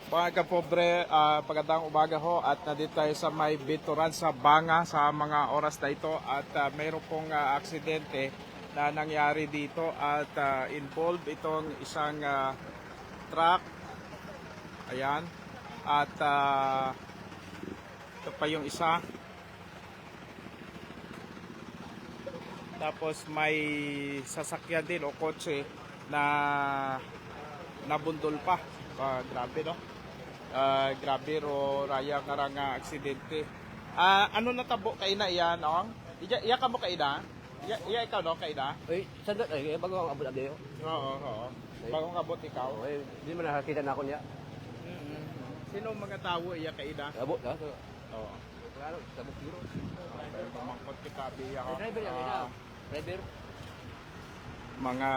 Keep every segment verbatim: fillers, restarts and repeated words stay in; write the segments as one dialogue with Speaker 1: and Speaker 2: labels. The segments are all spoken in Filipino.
Speaker 1: Mga kapobre, uh, pagandang umaga ho at nandito tayo sa may bituran sa Banga sa mga oras na ito at uh, mayroon pong uh, aksidente na nangyari dito at uh, involved itong isang uh, truck. Ayan. At uh, ito pa yung isa. Tapos may sasakyan din o kotse na nabundol pa. Uh, grabe no? Uh, grabe ro raya karang uh, aksidente. Ah, uh, ano natabo kay na iyan, ong? Iya iya ka mo kay na? Iya iya ikaw no kay na?
Speaker 2: Ay, sandot ay bago ang abot abot.
Speaker 1: Oo, oo. Bagong abot ikaw.
Speaker 2: Ay, di man nakakita na ako niya.
Speaker 1: Mm-hmm. Sino mga tawo iya kay na?
Speaker 2: Abot na.
Speaker 1: Oo.
Speaker 2: Claro, sabot biro.
Speaker 1: Okay, pamangkot kita biya ko.
Speaker 2: Driver yan, uh, driver.
Speaker 1: Mga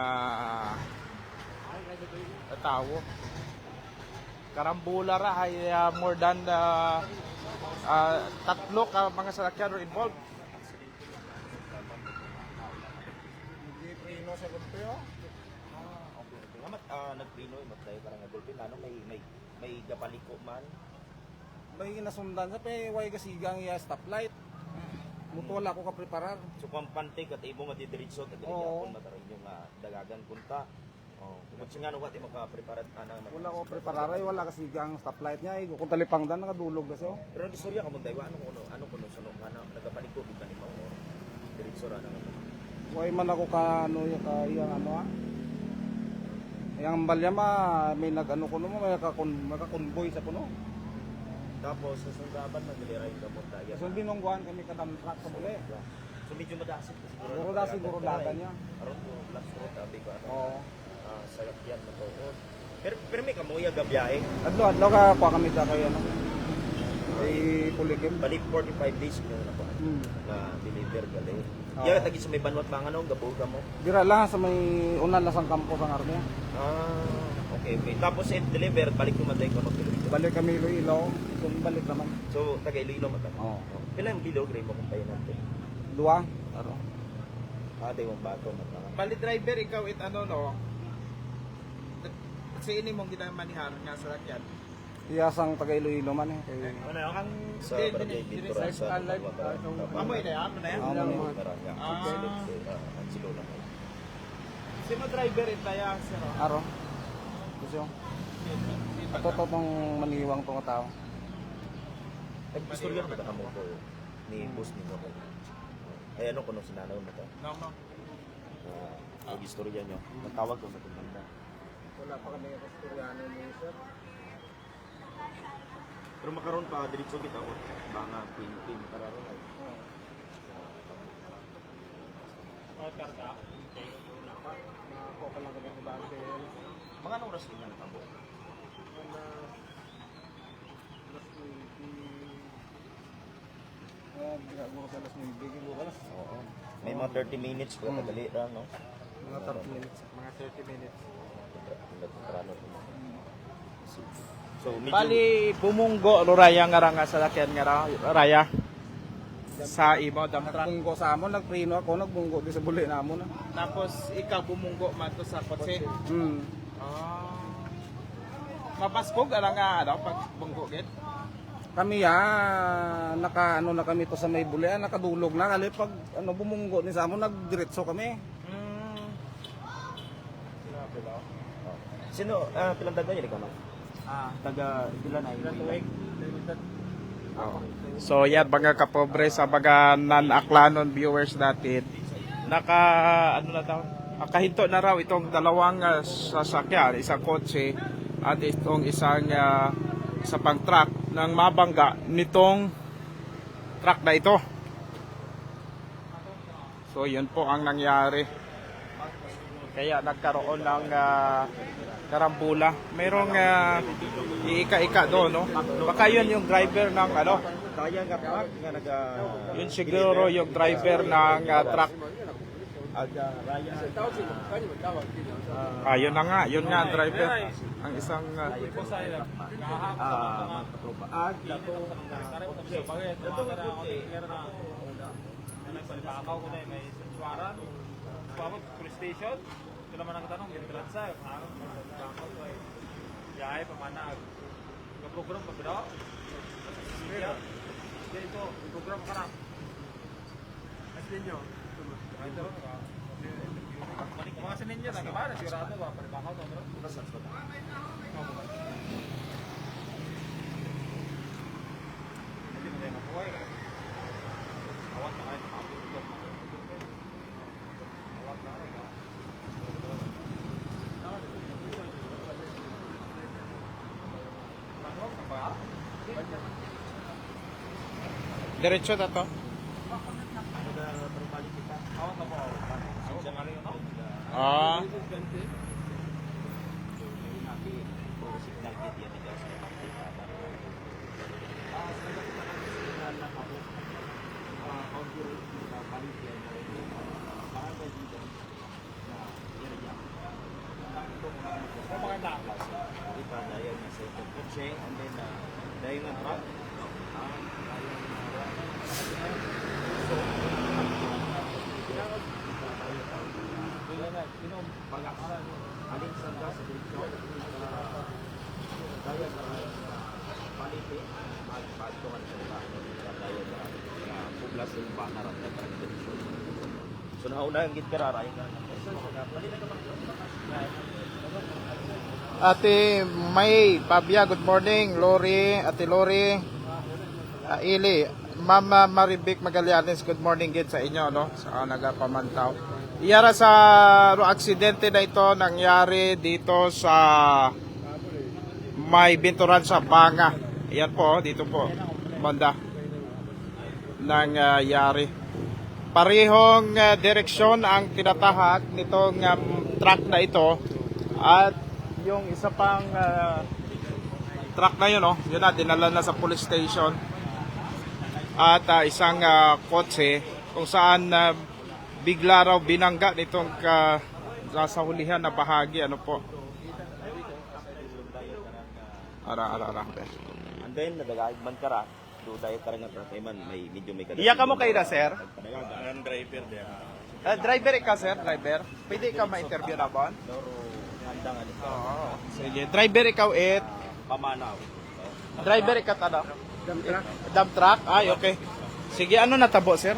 Speaker 1: uh, tawo. Karambula ra ay uh, more than uh, uh, tatlo ka mga sasakyan involved.
Speaker 3: Hindi prino sa gulpyo. Ah, okay. Ngamat uh, nagprino imat tayo karang gulpyo ano may may may gapaliko man.
Speaker 4: May nasundan sa pe way kasigang ya stoplight. Mutual ako ka preparar.
Speaker 3: So kung pante kat imo madidiretso ta diri
Speaker 4: Oo.
Speaker 3: gyapon mataray yung uh, dagagan kunta. Oh, kung singa no wat imo ka preparat ana
Speaker 4: Wala ko preparar ay wala kasigang stoplight niya ay kung talipangdan nakadulog kasi oh.
Speaker 3: Pero ang istorya ka mo daywa ano kuno ano kuno suno ana nagapaliko big kanimo diretso ra nang.
Speaker 4: Way man ako ka ano ya ka yang ano ah. Yang balya ma may nag-ano kuno mo may ka maka-convoy sa kuno.
Speaker 3: Tapos sa sundaban nagdilira yung gamot daya.
Speaker 4: So binongguan kami kadam truck sa buli.
Speaker 3: So medyo madasit kasi siguro.
Speaker 4: Siguro da siguro dagan niya.
Speaker 3: Aron mo last road abi ko ano.
Speaker 4: Oo.
Speaker 3: Ah, sayap yan na to. Pero pero may kamuya gabiyahe.
Speaker 4: Adlo adlo ka kuha kami sa kay ano. Kay Pulikim.
Speaker 3: Balik forty-five days mo na po.
Speaker 4: Hmm.
Speaker 3: Na deliver gali.
Speaker 4: Oo.
Speaker 3: Ya tagi sa may banwat bang ano gabu ka mo.
Speaker 4: Dira lang sa may unan lasang kampo sa Armia.
Speaker 3: Ah, okay, okay. Tapos end deliver balik ko maday ko mag-deliver.
Speaker 4: Balik kami Iloilo. So balik naman.
Speaker 3: So taga Iloilo man ta.
Speaker 4: Oo.
Speaker 3: Pila yung bilog rin mo kung tayo natin.
Speaker 4: Dua. Aro.
Speaker 3: Ah, tayo mong bago man ta.
Speaker 1: Bali driver ikaw it ano no? Sa ini mong ginamanihan nga sa sakyan.
Speaker 4: Iyasang taga Iloilo man eh. Kay
Speaker 1: Ano yun? Ang
Speaker 3: Sa
Speaker 1: din-
Speaker 3: barangay
Speaker 1: din- din-
Speaker 3: Binturan
Speaker 1: sa
Speaker 3: sa
Speaker 1: Skyline,
Speaker 3: Barangay.
Speaker 1: ah, Amoy na yan? Ano na yan?
Speaker 4: Amo na yan.
Speaker 3: Barangay.
Speaker 1: Ah.
Speaker 3: Ang silo na mo.
Speaker 1: Sino driver it na yan? Sino?
Speaker 4: Aro. Gusto yung ato to tong maniwang tong tao.
Speaker 3: Nag-istorya na ba mo ko ni boss ni mo? Ay ano kuno sinanaw mo to?
Speaker 1: No, no.
Speaker 3: Ah, nag-istorya nyo. Nagtawag ko sa tumanda.
Speaker 4: Wala pa kami kastoryano ni sir.
Speaker 3: Pero makaroon pa diretso kita ko. Banga pin-pin para ron ay.
Speaker 1: Oh, karga.
Speaker 4: Ako pa lang kami sa bante.
Speaker 3: Mga anong oras din ang tabo?
Speaker 4: Ah, ginagawa ko sa alas nueve bukas.
Speaker 3: Oo. May mga thirty minutes pa kadali ra no.
Speaker 4: Mga thirty minutes.
Speaker 1: Mga thirty minutes.
Speaker 3: Nagkarano ko. So medyo
Speaker 1: Bali, bumunggo, Raya nga ra nga sa sakyan nga ra, Raya. Sa imo, dump truck.
Speaker 4: Nagbunggo sa amon, nagprino ako, nagbunggo di sa buli na amon.
Speaker 1: Tapos, ikaw bumunggo man to sa kotse.
Speaker 4: Hmm.
Speaker 1: Ah. Mapaskog, ara nga, ano, pag bunggo git.
Speaker 4: Kami ya, naka ano na kami to sa may buli, ah, nakadulog na kali pag ano bumunggo ni sa amon, nagdiretso kami.
Speaker 1: Hmm.
Speaker 3: Sino ah pilang dagan niya ka man?
Speaker 1: Ah.
Speaker 3: Taga ilan ay?
Speaker 1: Ilan tuig?
Speaker 3: Oo.
Speaker 1: So yan mga kapobre sa mga non-aklanon viewers natin. Naka ano na daw? Nakahinto na raw itong dalawang uh, sasakyan, isang kotse at itong isang uh, isa pang truck ng mabangga nitong truck na ito. So yun po ang nangyari. Kaya nagkaroon ng uh, karambula. Merong uh, iika-ika doon, no? Baka yun yung driver ng ano,
Speaker 3: Kaya nga pa nga naga
Speaker 1: yun siguro yung driver ng uh, truck.
Speaker 3: aga raya.
Speaker 1: Ah, yun na nga, yun nga ang driver. Ang isang uh,
Speaker 3: Ah, mga katropa. Ah, dato
Speaker 5: Palipaakaw ko na eh, may suwaran. Pamag, police station. Ito naman ang tanong, yung transa. Palipaakaw ko eh. Yahay, pamanag. program pa pala. Sige. Dito, program ka na. Mas ninyo. Ito. Mga sininyo na gimana sigurado ba pagkakaw to, bro? Hindi mo tayo mabuhay. Awat na kayo makapit ito. Awat na kayo.
Speaker 1: Diretso na to. Ah.
Speaker 3: And then, uh, dahil nga truck, alin sa gas, dito, dahil paliti, magpatuhan sa iba, dahil na publas yung banaran na tradisyon. So, nauna yung gitkarara, yung
Speaker 1: Ate May, Pabia, good morning. Lori, Ate Lori, uh, Ili, Mama Maribik Magallanes, good morning din sa inyo, no? Sa nagapamantaw. Iyara sa no, aksidente na ito nangyari dito sa may binturan sa Banga. Ayan po, dito po, banda nangyari. Parehong uh, direksyon ang tinatahak nitong um, truck na ito at yung isa pang uh, truck na yun, oh, yun na, dinala na sa police station. At uh, isang uh, kotse kung saan uh, bigla raw binangga nitong uh, sa hulihan na bahagi. Ano po? Ara, ara, ara.
Speaker 3: and then, nadagayag man ka ra, do dahil ka rin nga truck, man, may medyo may kadasig.
Speaker 1: Iya ka mo kayo na, sir?
Speaker 5: Ang driver din.
Speaker 1: Uh, driver ka, sir? Driver? Pwede ka ma-interview na ba?
Speaker 3: Doro, handang ano ito.
Speaker 1: Oo. Sige. Driver ikaw it.
Speaker 3: Pamanaw.
Speaker 1: Driver ikaw ano? Dump truck. Dump truck? Ay, okay. Sige, ano natabo, sir?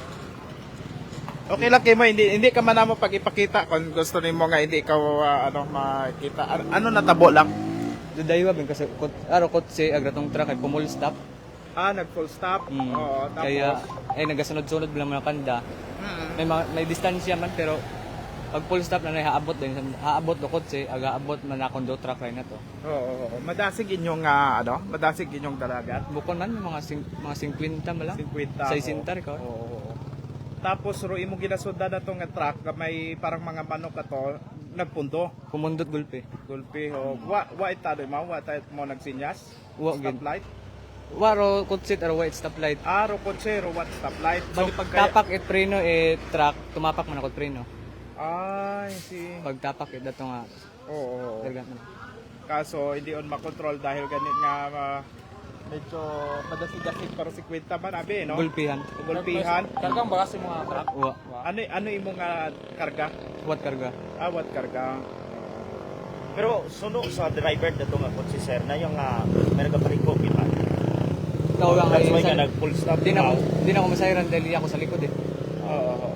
Speaker 1: Okay lang kayo mo, hindi, hindi ka man mo pag ipakita kung gusto nimo nga hindi ikaw uh, ano makita. Ano, ano natabo lang?
Speaker 2: Dudaywa ben kasi kot aro kotse agratong truck ay pumul stop.
Speaker 1: Ah, nag full stop.
Speaker 2: Mm.
Speaker 1: Oo, tapos
Speaker 2: Kaya ay nagasunod-sunod bilang mga kanda.
Speaker 1: Mm.
Speaker 2: May mga, may distansya man pero pag full stop na haabot din haabot do kotse aga abot man akong do truck rin na to.
Speaker 1: Oo, oo, oo. Madasig inyong uh, ano? Madasig inyong dalagat.
Speaker 2: Bukon man mga sing, mga fifty man lang.
Speaker 1: fifty.
Speaker 2: Sa isintar ko.
Speaker 1: Oo, oo, oo. Tapos ro imo ginasunda na tong truck nga may parang mga manok ka to, nagpundo.
Speaker 2: Kumundot gulpe.
Speaker 1: Gulpi o wa wa itado mo, wa tayo mo nagsinyas.
Speaker 2: Wa gid.
Speaker 1: Stoplight.
Speaker 2: Waro kotse aro white stoplight.
Speaker 1: Ah, ro kotse ro what stoplight.
Speaker 2: Bali pag tapak et preno eh truck tumapak man ako preno.
Speaker 1: Ay, si.
Speaker 2: Pag tapak et dato nga
Speaker 1: Oo. oo, oo.
Speaker 2: dagat man.
Speaker 1: Kaso hindi on makontrol dahil ganit nga uh, medyo madasig-dasig pero si Quinta man abi, no?
Speaker 2: Gulpihan.
Speaker 1: Gulpihan.
Speaker 5: Kargang bagas yung mga truck.
Speaker 2: Wa.
Speaker 1: Ano ano imong uh, karga?
Speaker 2: What karga?
Speaker 1: Ah, what karga?
Speaker 3: Pero suno sa driver na ito nga kotse sir na yung uh, may nagpapaliko kita.
Speaker 2: Ikaw lang
Speaker 3: That's why
Speaker 2: ay
Speaker 3: nga nag full stop.
Speaker 2: Di na
Speaker 3: ka.
Speaker 2: ko di na ko masayran dahil ako sa likod eh.
Speaker 1: Oo. oo.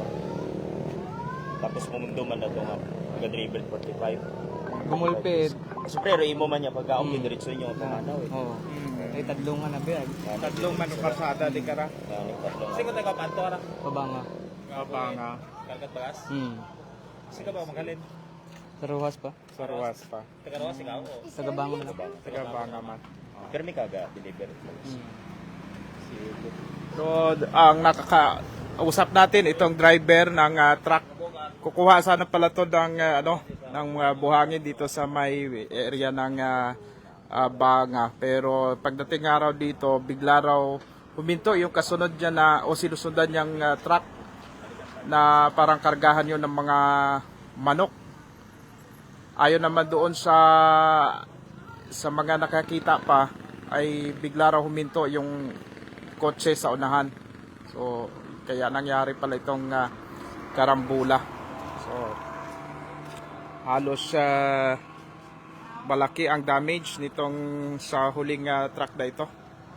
Speaker 3: Tapos kumundo man na ito nga taga-driver forty-five.
Speaker 2: Gumulpit.
Speaker 3: Siyempre, imo man niya pagka okay,
Speaker 2: Mm.
Speaker 3: diretso niyo ang pamanaw eh.
Speaker 2: Oo.
Speaker 1: Mm.
Speaker 2: Ay tadlungan na biyag.
Speaker 1: Tatlong manok karsada di kara.
Speaker 3: Ano, tatlong.
Speaker 5: Kasi kung taga-panto ra.
Speaker 2: Pabanga.
Speaker 1: Abanga.
Speaker 5: Kargat bagas.
Speaker 2: Hmm.
Speaker 5: Kasi ka ba magalin?
Speaker 2: Sa ruwas pa.
Speaker 1: Sarwas pa.
Speaker 5: Taga-rawas ikaw o?
Speaker 2: Tagabangon na.
Speaker 1: Taga banga man.
Speaker 3: Pero may kaga deliver.
Speaker 2: Hmm.
Speaker 1: So, ang nakakausap natin itong driver ng uh, truck. Kukuha sana pala to ng uh, ano, ng uh, buhangin dito sa may area ng uh, uh, Banga. Pero pagdating araw dito, bigla raw huminto yung kasunod niya na o sinusundan niyang uh, truck na parang kargahan yun ng mga manok. Ayon naman doon sa sa mga nakakita pa ay bigla raw huminto yung kotse sa unahan. So kaya nangyari pala itong uh, karambula. So halos uh, malaki ang damage nitong sa huling ah, truck na ito.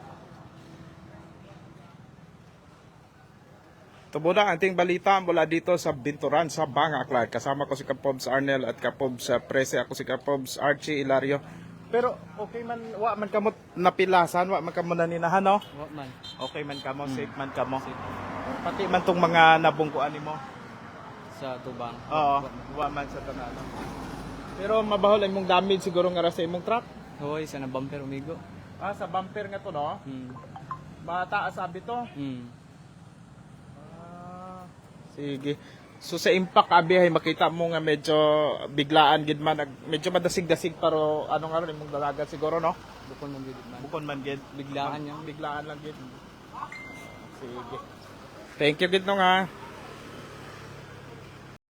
Speaker 1: Tubo na ang ating balita mula dito sa Binturan sa Banga, Clark. Kasama ko si Kapobs Arnel at Kapobs uh, Prese. Ako si Kapobs Archie Ilario. Pero okay man, wa man kamot napilasan, wa man kamo naninahan, no?
Speaker 2: Wa man.
Speaker 1: Okay man kamo,
Speaker 2: Hmm.
Speaker 1: safe man kamo.
Speaker 2: Safe.
Speaker 1: Pati man tong mga nabungkuan nimo.
Speaker 2: Sa tubang.
Speaker 1: Oo, wa man sa tanan. Pero mabahol ang imong damage siguro nga ra sa imong truck.
Speaker 2: Hoy, sa na bumper umigo.
Speaker 1: Ah, sa bumper nga to, no?
Speaker 2: Hmm.
Speaker 1: Mataas sabi to.
Speaker 2: Hmm.
Speaker 1: Ah, sige. So sa impact abi ay makita mo nga medyo biglaan gid man, nag- medyo madasig-dasig pero ano nga ron imong dalaga siguro, no?
Speaker 2: Bukon mo gid man.
Speaker 1: Bukon man gid.
Speaker 2: Biglaan yan.
Speaker 1: Biglaan lang gid. Sige. Thank you gid no nga.